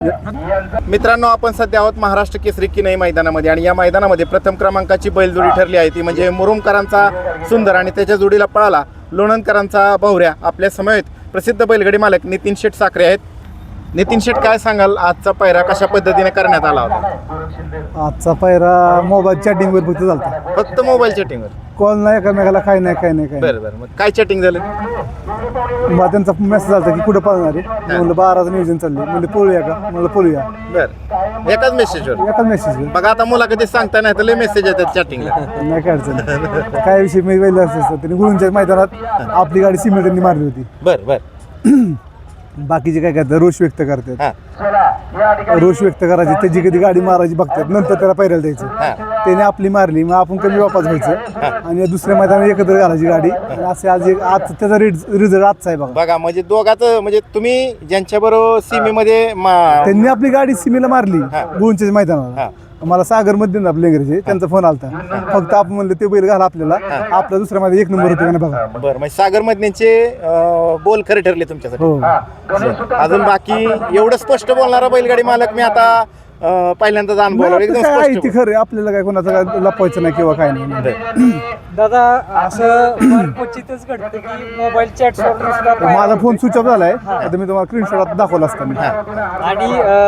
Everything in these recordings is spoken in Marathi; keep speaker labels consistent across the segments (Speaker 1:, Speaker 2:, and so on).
Speaker 1: मित्रांनो, आपण सध्या आहोत महाराष्ट्र केसरी किनई मैदानामध्ये आणि या मैदानामध्ये प्रथम क्रमांकाची बैलजोडी ठरली आहे ती म्हणजे मुरुमकरांचा सुंदर आणि त्याच्या जोडीला पळाला लोणंदकरांचा भावऱ्या. आपल्या समवेत प्रसिद्ध बैलगाडी मालक नितीन शेठ साखरे आहेत. नितीन शेठ, काय सांगाल, आजचा पायरा कशा पद्धतीने करण्यात आला होता?
Speaker 2: आजचा पायरा मोबाईल चॅटिंगवर फक्त झालता.
Speaker 1: फक्त मोबाईल चॅटिंगवर?
Speaker 2: कॉल नाही, एकामेकाला काय नाही.
Speaker 1: बरं बरं. मग काय चॅटिंग झालं?
Speaker 2: मग त्यांचा मेसेज आला की कुठं पळणार आहे. म्हणलं 12चं नियोजन चालले, म्हणजे पळूया का, म्हणलं पळूया.
Speaker 1: बरं, एकाच मेसेजवर?
Speaker 2: एकाच मेसेज.
Speaker 1: बघा आता मुलाखती सांगता नाही तर लय मेसेज येतात चॅटिंगला.
Speaker 2: नाही काय अडचण. काय विषय मी पहिलं असतं त्यांनी गुळूंच्या मैदानात आपली गाडी सिमेंटनी मारली होती.
Speaker 1: बरं बरं.
Speaker 2: बाकीचे काय करतात, रोष व्यक्त करतात. रोष व्यक्त करायची, त्याची कधी गाडी मारायची बघतात, नंतर त्याला पायऱ्याला द्यायचं. त्याने आपली मारली, मग आपण कमी वापास व्हायचं आणि दुसऱ्या मैदानात एकत्र घालायची गाडी. असे आज त्याचा रिझल्ट आजचा आहे बघा.
Speaker 1: बघा, म्हणजे दोघांचं, म्हणजे तुम्ही ज्यांच्याबरोबर सीमेमध्ये
Speaker 2: त्यांनी आपली गाडी सीमेला मारली गुळूंच्या मैदानाला. मला सागर मध्ये आपल्या इंग्रजी त्यांचा फोन आलता. फक्त आपण म्हणलं ते बैल घाला आपल्याला, आपला दुसऱ्या मध्ये 1 नंबर होतो का बघा.
Speaker 1: बरं, म्हणजे सागर मधल्यांचे बोल खरे ठरले तुमच्यासाठी.
Speaker 2: हो.
Speaker 1: अजून बाकी एवढं स्पष्ट बोलणारा बैलगाडी मालक मी आता पहिल्यांदाच अनुभवला. एकदम
Speaker 2: काय
Speaker 1: स्पष्ट.
Speaker 2: ती खरं, आपल्याला काय कोणाचं काय लपवायचं नाही किंवा काय नाही.
Speaker 3: दादा, असं क्वचितच घडतं की मोबाईल चॅट
Speaker 2: माझा फोन स्विच ऑफ झालाय. आता मी तुम्हाला स्क्रीनशॉट दाखवला असता मी.
Speaker 3: आणि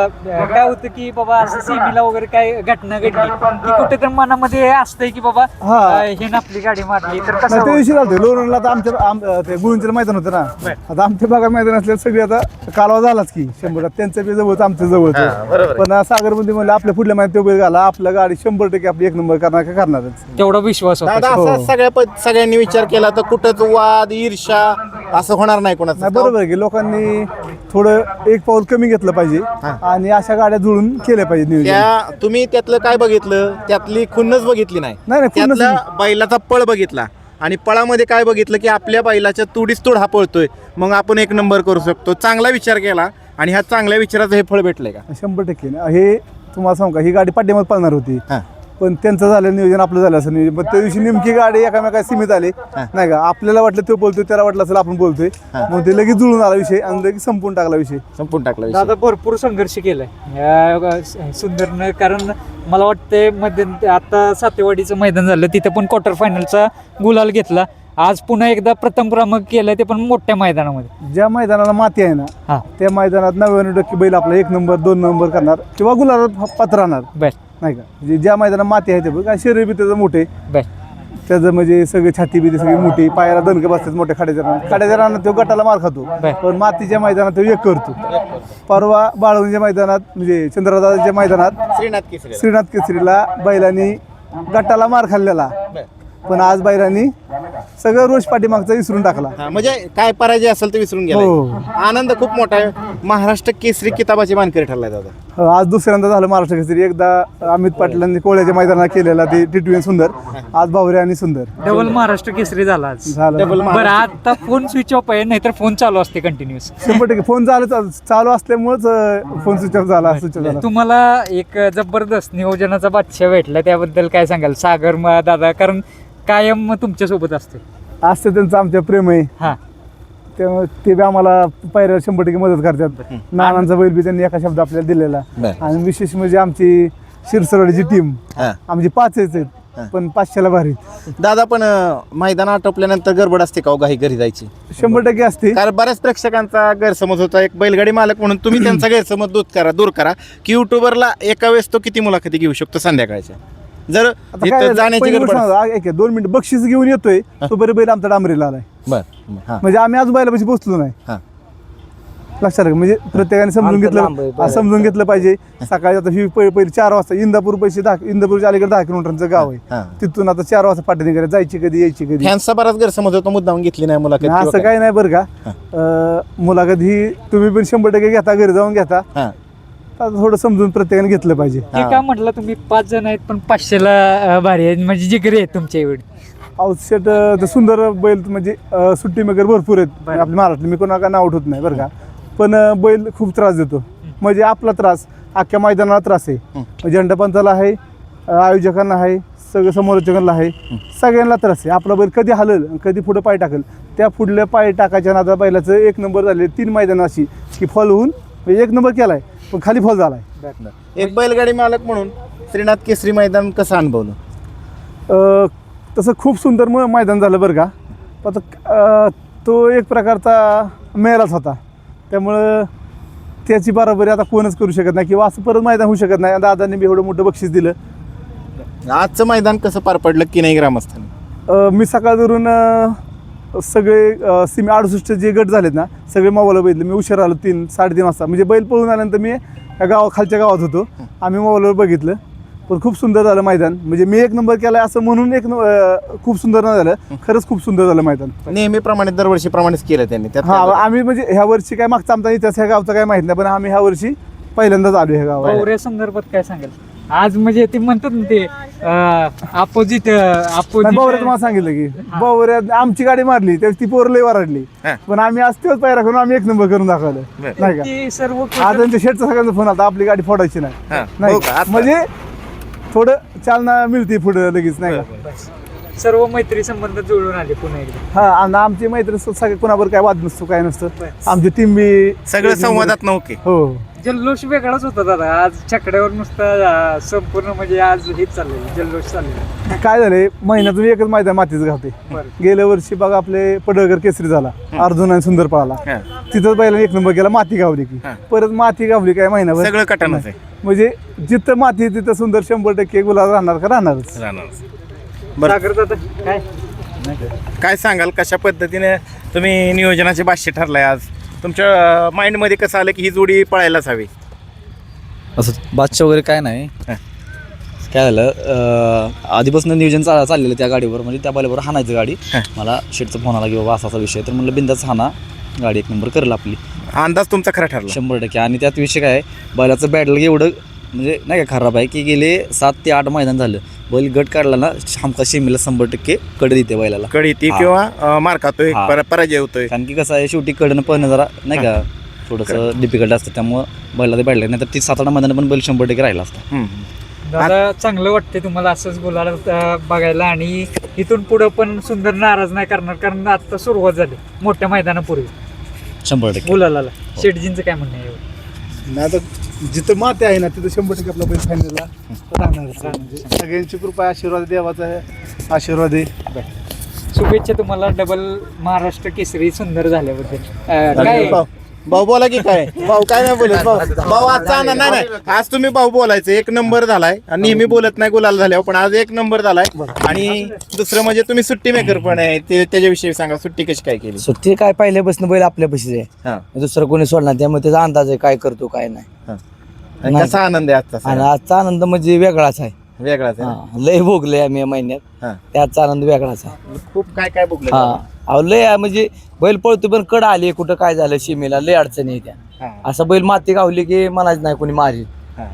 Speaker 3: काय होतं की बाबा असं सीमीला वगैरे काय घटना घडली की कुठे तर मनामध्ये असतंय की बाबा हे ना आपली गाडी मारली तर
Speaker 2: नाही,
Speaker 3: कसं
Speaker 2: त्या दिवशी झालं लोणला. आता आमच्या ते गुळूंचं मैदान होतं ना, आता आमच्या भागात मैदान असल्या सगळी आता कालवा झालाच की 100. त्यांचं बी जवळच, आमचं जवळच. पण सागरमध्ये म्हणलं आपल्या पुढल्या महिन्यात तो बैल घाला, आपल्या गाडी 100% आपली 1 नंबर करणार का करणारच.
Speaker 3: तेवढा विश्वास
Speaker 1: दादा,
Speaker 3: होता.
Speaker 1: असा सगळ्यांनी विचार केला तर कुठंच वाद ईर्षा असं होणार नाही कोणाचं.
Speaker 2: नाही, बरोबर आहे की लोकांनी थोडं एक पाऊल कमी घेतलं पाहिजे आणि अशा गाड्या जुळून केल्या पाहिजे नियोजन.
Speaker 1: तुम्ही त्यातलं काय बघितलं? त्यातली खुन्नच बघितली नाही. त्यातला बैलाचा पळ बघितला आणि पळामध्ये काय बघितलं की आपल्या बैलाच्या तुडीस तोड हा पळतोय, मग आपण 1 नंबर करू शकतो. चांगला विचार केला आणि ह्या चांगल्या विचाराचं हे फळ भेटलंय का?
Speaker 2: 100% हे तुम्हाला सांगू का, ही गाडी पाठीमध्ये पळणार होती पण त्यांचं झालं नियोजन, आपलं झालं असं नियोजन. पण त्या दिवशी नेमकी गाडी एकामेका सीमित आले नाही का. आपल्याला वाटलं तो बोलतोय, त्याला वाटलं असेल आपण बोलतोय, मग ते लगेच जुळून आला विषय आणि लगेच संपून टाकला विषय.
Speaker 3: दादा, भरपूर संघर्ष केलाय सुंदरनं. कारण मला वाटतंय मध्ये आता सातेवाडीचं मैदान झालं, तिथे पण क्वार्टर फायनलचा गुलाल घेतला. आज पुन्हा एकदा प्रथम क्रमांक केलाय, ते पण मोठ्या मैदानामध्ये.
Speaker 2: ज्या मैदानाला माती आहे ना त्या मैदानात 99% बैल आपला 1 नंबर 2 नंबर करणार किंवा गुलालात पात्र राहणार नाही का. म्हणजे ज्या मैदानात माती आहे ते बघ, शरीर बी त्याचं मोठे, त्याचं म्हणजे सगळे छाती बी सगळी मोठी, पायाला दणके बसतात मोठ्या खाड्याच्या रानात तो गटाला मार खातो, पण मातीच्या मैदानात तो एक करतो. परवा बाळवणीच्या मैदानात म्हणजे चंद्रदाच्या मैदानात श्रीनाथ केसरीला बैलांनी गटाला मार खाल्लेला, पण आज बैलांनी सगळं रोष पाठीमागचा विसरून टाकला.
Speaker 1: म्हणजे काय पराजय असेल ते विसरून गेला. आनंद खूप मोठा आहे. महाराष्ट्र केसरी किताबाची मानकरी ठरलाय दादा.
Speaker 2: आज दुसऱ्यांदा झालं महाराष्ट्र केसरी. एकदा अमित पाटलांनी कोळ्याच्या मैदानात केलेला ते टिटवी सुंदर, आज भावरे आणि सुंदर.
Speaker 3: डबल महाराष्ट्र केसरी झाला आज. बरं, आता फोन स्विच ऑफ आहे, नाहीतर फोन चालू असते कंटिन्युअस.
Speaker 2: 100% फोन चालू असल्यामुळेच फोन स्विच ऑफ झाला.
Speaker 3: तुम्हाला एक जबरदस्त नियोजनाचा बादशाह भेटला, त्याबद्दल काय सांगाल सागर दादा? कारण कायम तुमच्या सोबत असते
Speaker 2: त्यांचं आमच्या प्रेम आहे. त्यामुळे ते बी आम्हाला पायऱ्याला 100% मदत करतात. नानांचा बैल बी त्यांनी एका शब्द आपल्याला दिलेला. आणि विशेष म्हणजे आमची शिरसरवाडीची टीम, आमची 5 आहेत पण 500ला भारी.
Speaker 1: दादा, पण मैदान आटोपल्यानंतर गडबड असते का घाई घरी जायची?
Speaker 2: 100% असते.
Speaker 1: कारण बऱ्याच प्रेक्षकांचा गैरसमज होता, एक बैलगाडी मालक म्हणून तुम्ही त्यांचा गैरसमज दूर करा की युट्यूबरला एका वेळेस तो किती मुलाखती घेऊ शकतो संध्याकाळच्या? जर जाण्याची गडबड
Speaker 2: 2 मिनिट बक्षीस घेऊन येतोय तो बरे बैल आमचा डांबरीला आलाय. म्हणजे आम्ही आज बैलापाशी पोहोचलो नाही. लक्षात घ्या, म्हणजे प्रत्येकाने समजून घेतलं पाहिजे. सकाळी आता ही पहिले 4 वाजता इंदापूर इंदापूरच्या अलीकडे 10 किलोमीटरचं गाव आहे. तिथून आता 4 वाजता पाठवणी करायला जायची कधी यायची कधी.
Speaker 1: फॅन्सचा बराच गैरसमज होतो, मुद्दाम घेतली नाही मुलाखत.
Speaker 2: असं काही नाही बरं का. मुलाखत ही तुम्ही पण 100% घेता, घरी जाऊन घेता. थोडं समजून प्रत्येकाने घेतलं पाहिजे.
Speaker 3: काय म्हटलं तुम्ही 5 जण आहेत पण 500ला भारी आहे, म्हणजे जिगरी आहेत तुमच्या एवढी.
Speaker 2: आउटसेट सुंदर बैल म्हणजे सुट्टी मेकर भरपूर आहेत आपल्या महाराष्ट्रात. मी कोणाला नाव उठवत नाही बरं का, पण बैल खूप त्रास देतो. म्हणजे आपला त्रास अख्ख्या मैदानाला त्रास आहे. झेंडापंचाला आहे, आयोजकांना आहे, सगळं समोरचकांना आहे, सगळ्यांना त्रास आहे. आपला बैल कधी हलल कधी पुढे पाय टाकेल, त्या पुढल्या पाय टाकायच्या नादा बैलाचं 1 नंबर झाले. 3 मैदान अशी की फॉल होऊन 1 नंबर केलाय पण खाली फॉल झालाय.
Speaker 1: एक बैलगाडी मालक म्हणून श्रीनाथ केसरी मैदान कसं अनुभवलं?
Speaker 2: तसं खूप सुंदर मैदान झालं बरं का. पण तो एक प्रकारचा मेलाच होता, त्यामुळं त्याची बरोबरी आता कोणच करू शकत नाही किंवा असं परत मैदान होऊ शकत नाही. दादांनी बी एवढं मोठं बक्षीस दिलं.
Speaker 1: आजचं मैदान कसं पार पडलं की नाही ग्रामस्थांनी?
Speaker 2: मी सकाळ धरून सगळे 68 जे गट झालेत ना सगळे मोबाईल बघितले. मी उशीर आलो 3-3:30 वाजता, म्हणजे बैल पळून आल्यानंतर मी या खालच्या गावात होतो. आम्ही मोबाईलवर बघितलं, पण खूप सुंदर झालं मैदान. म्हणजे मी 1 नंबर केलाय असं म्हणून खूप सुंदर नाही झालं, खरंच खूप सुंदर झालं मैदान.
Speaker 1: नेहमीप्रमाणे दरवर्षीप्रमाणेच केलं त्यांनी त्यात
Speaker 2: हा, आम्ही म्हणजे ह्या वर्षी काय मागचा आमचा इतिहास ह्या गावचा काय माहित नाही, पण आम्ही ह्या वर्षी पहिल्यांदाच आलो ह्या गावात.
Speaker 3: पवऱ्या संदर्भात काय सांगाल? आज म्हणजे ते म्हणतात ना ते अपोजिट
Speaker 2: बावऱ्या तुम्हाला सांगितलं की बावऱ्या आमची गाडी मारली त्यावेळी ती पोर लय वराडली, पण आम्ही आज तेच पायरा करून आम्ही 1 नंबर करून दाखवलं नाही का.
Speaker 3: ते सर्व
Speaker 2: आज त्यांच्या शेटचा सगळ्यांचा फोन आता आपली गाडी फोडायची
Speaker 1: हो
Speaker 2: नाही
Speaker 1: का? आता-
Speaker 2: म्हणजे थोडं चालना मिळते पुढे लगेच नाही का.
Speaker 3: सर्व मैत्री संबंध जुळून आले पुन्हा एकदा.
Speaker 2: हा, आणि आमची मैत्री सगळे कोणावर काय वाद नसतो काय नसतं. आमची टीम बी
Speaker 1: सगळं संवादात नव्हते.
Speaker 2: हो.
Speaker 3: जल्लोष वेगळाच होता दादा आज. छकड्यावर नुसतं संपूर्ण म्हणजे आज हेच चाललेलं जल्लोष चाललेलं.
Speaker 2: काय झालंय, महिन्यातून एकच मैदान मातीच घालते.
Speaker 3: बरं.
Speaker 2: गेल्या वर्षी बघा आपले पडळकर केसरी झाला, अर्जुन आणि सुंदर पळाला, तिथं पहिला 1 नंबर केला, माती गावली की परत माती गावली काय महिनाभर.
Speaker 1: सगळं कटाणच आहे.
Speaker 2: म्हणजे जिथं माती तिथं सुंदर 100% गुलाल राहणार का राहणारच.
Speaker 1: बरं,
Speaker 3: सागर दादा काय
Speaker 1: काय सांगाल कशा पद्धतीने तुम्ही नियोजनाचे भाष्य ठरलंय आज? तुमच्या माइंडमध्ये कसं आलं की ही जोडी पळायलाच हवी?
Speaker 4: असं बादशा वगैरे काय नाही. काय झालं, आधीपासून नियोजन चाललेलं त्या गाडीवर, म्हणजे त्या बैलावर हाणायचं गाडी. मला शेटचा फोन आला की बाबा असा विषय, तर म्हणलं बिंदाच हाना, गाडी 1 नंबर करेल आपली.
Speaker 1: अंदाज तुमचा खरा ठरला?
Speaker 4: 100%. आणि त्यात विषय काय आहे, बैलाचं बॅटल एवढं म्हणजे नाही का खराब आहे की गेले 7 ते 8 मैदान झालं बैल गट काढला ना हमका शेमीला 100% कडे देते बैलाला.
Speaker 1: कडी ती किंवा मार खातोय, पराजय होतोय.
Speaker 4: कारण की कसं आहे, शेवटी कडनं पळणं जरा नाही का थोडंसं डिफिकल्ट असतं, त्यामुळं बैला ते बॅटलं नाही तर ती 7-8 मैदान पण बैल 100% राहिला असता.
Speaker 3: दादा चांगलं वाटते तुम्हाला असंच बोलायला बघायला, आणि इथून पुढं पण सुंदर नाराज नाही करणार, कारण आता सुरुवात झाली मोठ्या मैदानापूर्वी
Speaker 4: 100%.
Speaker 3: बोलायला. शेटजींचं काय म्हणणं आहे?
Speaker 2: नाही आता जिथं माती आहे ना तिथं 100% आपला बैल फायनलला राहणार. सगळ्यांची कृपा आशीर्वाद, देवाचा आशीर्वाद आहे.
Speaker 3: शुभेच्छा तुम्हाला डबल महाराष्ट्र केसरी सुंदर झाल्याबद्दल. काय
Speaker 1: भाऊ बोला की काय? भाऊ काय नाही बोलत. भाऊ आजचा आनंद नाही नाही, आज तुम्ही भाऊ बोलायचं 1 नंबर झालाय. आणि नेहमी बोलत नाही गुलाल झाल्यावर, पण आज 1 नंबर झालाय. आणि दुसरं म्हणजे तुम्ही सुट्टी मेकर पण आहे, ते त्याच्याविषयी सांगा. सुट्टी कशी काय केली?
Speaker 5: सुट्टी काय पहिल्यापासून बैल आपल्यापाशीच आहे, दुसरं कोणी सोडणार, त्यामुळे त्याचा अंदाज आहे काय करतो काय नाही.
Speaker 1: आणि कसा आनंद आहे आजचा?
Speaker 5: आणि आजचा आनंद म्हणजे वेगळाच आहे.
Speaker 1: वेगळाच आहे.
Speaker 5: लय भोगले आम्ही या महिन्यात, त्याचा आनंद वेगळाच आहे.
Speaker 1: खूप काय काय बघलं.
Speaker 5: अहो लय म्हणजे बैल पळतो पण कड आली कुठं काय झालं शिमेला लय अडचणी येत्या. असं बैल माती गावली की म्हणायचं नाही कोणी मारी.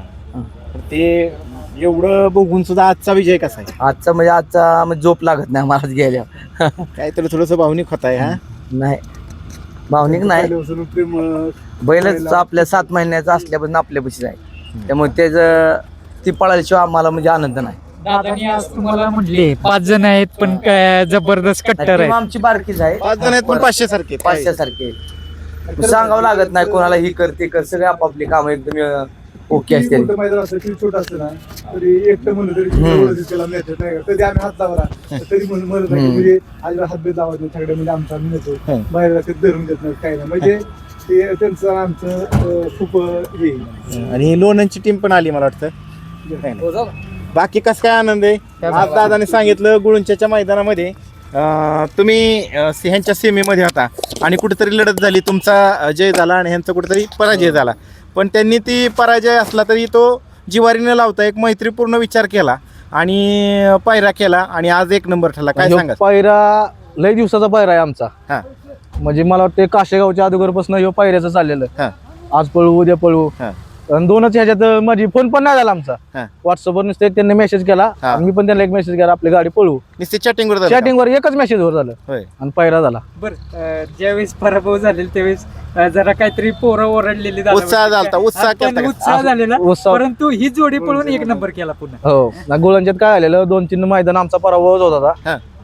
Speaker 1: ते एवढं बघून सुद्धा आजचा विजय कसा आहे?
Speaker 5: आजचा म्हणजे झोप लागत नाही मला गेल्या.
Speaker 1: काहीतरी थोडस भावनिक होत आहे.
Speaker 5: नाही भावनिक नाही,
Speaker 2: पहिल्यापासून प्रेम
Speaker 5: बैलच आपल्या 7 महिन्याचा असल्यापासून आपल्यापाशीच आहे, त्यामुळे त्याचं ती पळाल्याशिवाय आम्हाला म्हणजे आनंद नाही.
Speaker 3: दादानी आज तुम्हाला म्हणले 5 जण आहेत पण काय जबरदस्त कट्टर
Speaker 5: टीम
Speaker 3: आहे.
Speaker 5: आमची बारकीच आहे,
Speaker 1: 5 जण आहेत पण 500 सारखे.
Speaker 5: 500 सारखे सांगावं लागत नाही कोणाला ही करते कर, सगळे आपापली कामं एकदम ओके असते.
Speaker 2: मोठं मैदान असतं किती छोटं असतं ना तरी एकटं म्हणलं तरी त्याला मिळत नाही का. कधी आम्ही हात लावला तरी म्हणत नाही म्हणजे आजीला हातभेद लावत नाही सगळे, म्हणजे आमचा आम्ही नेतो बाहेर धरून देत नाही काय नाही. म्हणजे ते त्यांचं आमचं खूप हे.
Speaker 1: आणि लोणंदची टीम पण आली मला वाटतं. बाकी कसं काय आनंद आहे? आज दादाने सांगितलं गुळुंच्याच्या मैदानामध्ये तुम्ही ह्यांच्या सेमीमध्ये होता आणि कुठेतरी लढत झाली, तुमचा जय झाला आणि ह्यांचा कुठेतरी पराजय झाला. पण त्यांनी ती पराजय असला तरी तो जिवारीने लावता एक मैत्रीपूर्ण विचार केला आणि पायरा केला आणि आज 1 नंबर ठरला. काय सांगा?
Speaker 6: पायरा लय दिवसाचा पायरा आहे आमचा.
Speaker 1: हा,
Speaker 6: म्हणजे मला वाटतं काशेगावच्या अगोदरपासून ह्यो पायऱ्याचं चाललेलं.
Speaker 1: हा,
Speaker 6: आज पळू उद्या पळू,
Speaker 1: हा,
Speaker 6: आणि 2च ह्याच्यात माझी फोन पण नाही झाला आमचा.
Speaker 1: हा.
Speaker 6: व्हॉट्सअपवर नुसते त्यांनी मेसेज केला,
Speaker 1: हा.
Speaker 6: मी पण त्यांना एक मेसेज केला आपली गाडी पळू.
Speaker 1: नुसते चॅटिंगवर झालं का?
Speaker 6: चॅटिंगवर एकच मेसेज वर झालं
Speaker 1: होय.
Speaker 6: आणि पायरा झाला.
Speaker 3: बरं, ज्यावेळेस पराभव झालेला त्यावेळेस जरा काहीतरी पोरं ओरडलेली
Speaker 1: उत्साह झालता, उत्साह केलता का?
Speaker 3: उत्साह झालेला,
Speaker 6: उत्साह.
Speaker 3: परंतु ही जोडी पळून 1 नंबर केला पुन्हा.
Speaker 6: हो ना, गोलांच्यात काय आलेलं 2-3 मैदान आमचा पराभव होत होता.
Speaker 1: हा.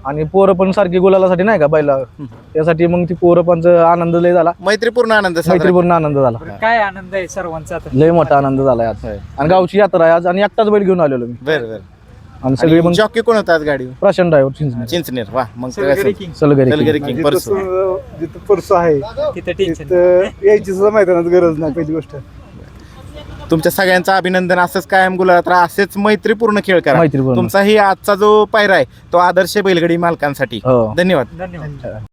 Speaker 6: आणि पोरं पण सारखी गुलालासाठी नाही का बैला त्यासाठी मग ती पोरं पण आनंद लय झाला,
Speaker 1: मैत्रीपूर्ण आनंद साजरा
Speaker 6: मैत्रीपूर्ण आनंद झाला,
Speaker 3: काय आनंद आहे सर्वांचा आता.
Speaker 6: लय मोठा आनंद झाला आज. आणि गावची यात्रा आहे आज आणि एकटाच बैल घेऊन आलेलो मी
Speaker 1: बरं बरं.
Speaker 6: आणि सगळे मग
Speaker 1: जॉकी कोण होता आज गाडी?
Speaker 6: प्रशांत ड्रायव्हर चिंचणे
Speaker 1: चिंचनेर. वा मग
Speaker 3: सलगरी king.
Speaker 6: सलगरी
Speaker 1: सलगरी किंग परसू.
Speaker 2: जिथं परसू आहे
Speaker 3: तिथं टेन्शन
Speaker 2: तिथं यायची सुद्धा मैदानात गरज नाही पहिली गोष्ट.
Speaker 1: तुमच्या सगळ्यांचं अभिनंदन. असंच कायम गुलाबात राहा, असेच मैत्रीपूर्ण खेळ करा.
Speaker 6: मैत्रीपूर्ण.
Speaker 1: तुमचाही आजचा जो पायरा आहे तो आदर्श बैलगाडी मालकांसाठी.
Speaker 6: हो.
Speaker 1: धन्यवाद.
Speaker 3: धन्यवाद.